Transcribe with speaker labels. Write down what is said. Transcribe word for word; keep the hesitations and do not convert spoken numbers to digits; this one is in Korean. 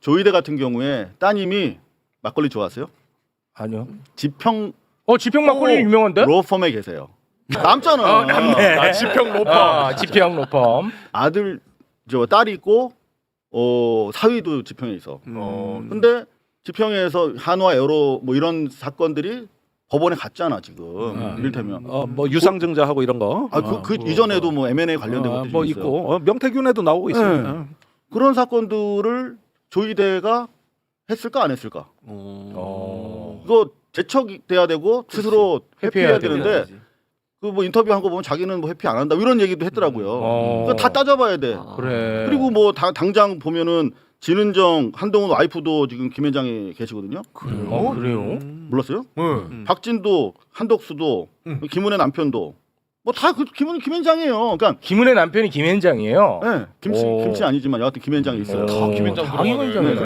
Speaker 1: 조이대 같은 경우에 따님이 막걸리 좋아하세요?
Speaker 2: 아니요.
Speaker 1: 지평
Speaker 2: 어 지평 막걸리 유명한데?
Speaker 1: 로펌에 계세요. 남잖아.
Speaker 2: 어, 남네.
Speaker 3: 아, 지평 로펌.
Speaker 2: 아, 지평 로펌.
Speaker 1: 아들 저 딸이 있고 어 사위도 지평에 있어.
Speaker 3: 어,
Speaker 1: 근데 지평에서 한화 에어로 뭐 이런 사건들이 법원에 갔잖아 지금.
Speaker 4: 음.
Speaker 1: 이를테면
Speaker 4: 어, 뭐 유상증자하고 이런 거.
Speaker 1: 아, 그, 그 이전에도 뭐 엠앤에이 관련된
Speaker 4: 어,
Speaker 1: 것도
Speaker 4: 뭐
Speaker 1: 있어요.
Speaker 4: 있고 어, 명태균에도 나오고 있어요.
Speaker 1: 네. 그런 사건들을 조이대가 했을까 안 했을까?
Speaker 2: 어.
Speaker 1: 이거 제척돼야 되고 스스로 회피해야
Speaker 2: 회피해야
Speaker 1: 되는데 그 뭐 인터뷰한 거 보면 자기는 뭐 회피 안 한다 이런 얘기도 했더라고요.
Speaker 2: 어.
Speaker 1: 그거 다 따져봐야 돼.
Speaker 2: 그래.
Speaker 1: 그리고 뭐 다, 당장 보면은 진은정 한동훈 와이프도 지금 김현장에 계시거든요.
Speaker 3: 그래요?
Speaker 2: 어, 그래요?
Speaker 1: 몰랐어요?
Speaker 3: 네.
Speaker 1: 박진도 한덕수도
Speaker 3: 음.
Speaker 1: 김은혜 남편도 뭐 다 그 김은 김현장이에요. 그러니까
Speaker 2: 김은혜 남편이 김현장이에요.
Speaker 1: 네, 김씨
Speaker 2: 오.
Speaker 1: 김씨 아니지만 여하튼 김현장이 있어요.
Speaker 3: 다 김현장
Speaker 2: 다
Speaker 3: 들어가네.
Speaker 2: 김현장이네.